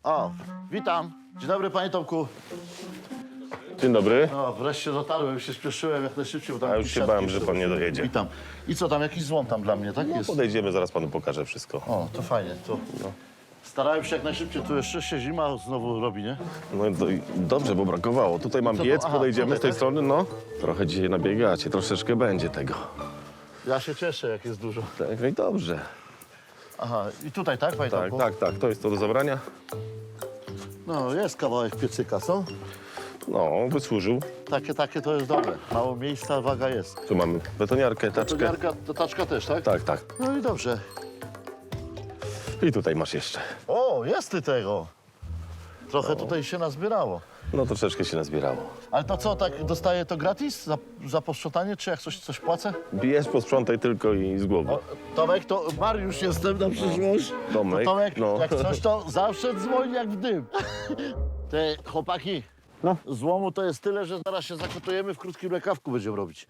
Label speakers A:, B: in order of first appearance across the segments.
A: O, witam. Dzień dobry, panie Tomku.
B: Dzień dobry.
A: O, wreszcie dotarłem, już się spieszyłem jak najszybciej. Bo tam
B: A już się bałem, że pan nie dojedzie.
A: Witam. I co tam, jakiś złom tam dla mnie, tak
B: No
A: jest?
B: podejdziemy, zaraz panu pokażę wszystko.
A: O, to fajnie, to... Starałem się jak najszybciej, tu jeszcze się zima znowu robi, nie?
B: No i dobrze, bo brakowało. Tutaj mam
A: Co to?
B: piec,
A: Aha,
B: podejdziemy
A: tutaj,
B: z tej
A: tak?
B: strony, no. Trochę dzisiaj nabiegacie, troszeczkę będzie tego.
A: Ja się cieszę, jak jest dużo.
B: Tak, no i dobrze.
A: Aha, i tutaj, tak, panie
B: Tak,
A: Tomku?
B: tak, to jest to do zabrania.
A: No, jest kawałek piecyka, co?
B: No, wysłużył.
A: Takie to jest dobre. Mało miejsca, waga jest.
B: Tu mamy betoniarkę, taczkę.
A: To taczka też, tak?
B: Tak.
A: No i dobrze.
B: I tutaj masz jeszcze.
A: O, jest ty tego. Trochę tutaj się nazbierało.
B: No troszeczkę się nazbierało.
A: Ale to co, tak dostaję to gratis za posprzątanie, czy jak coś płacę?
B: Bierz, posprzątaj tylko i z głowy.
A: O, Tomek, to Mariusz jestem na przyszłość.
B: Tomek,
A: To Tomek,
B: no.
A: jak coś, to zawsze dzwoni jak w dym. Te chłopaki, złomu to jest tyle, że zaraz się zakotujemy, w krótkim rękawku będziemy robić.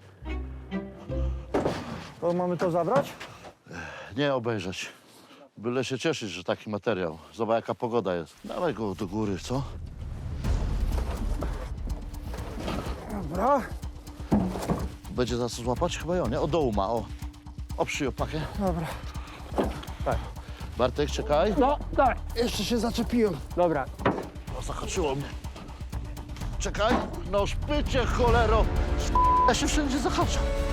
C: To mamy to zabrać?
A: Nie obejrzeć. Byle się cieszyć, że taki materiał. Zobacz, jaka pogoda jest. Dawaj go do góry, co?
C: Dobra.
A: Będzie za co złapać? Chyba ją, nie? O, dołu ma, o. Oprzyj opakę.
C: Dobra.
A: Bartek, czekaj.
C: No, daj.
A: Jeszcze się zaczepiłem.
C: Dobra.
A: O, zahaczyło mnie. Czekaj. No szpycie, cholero. Ja się wszędzie zahaczam.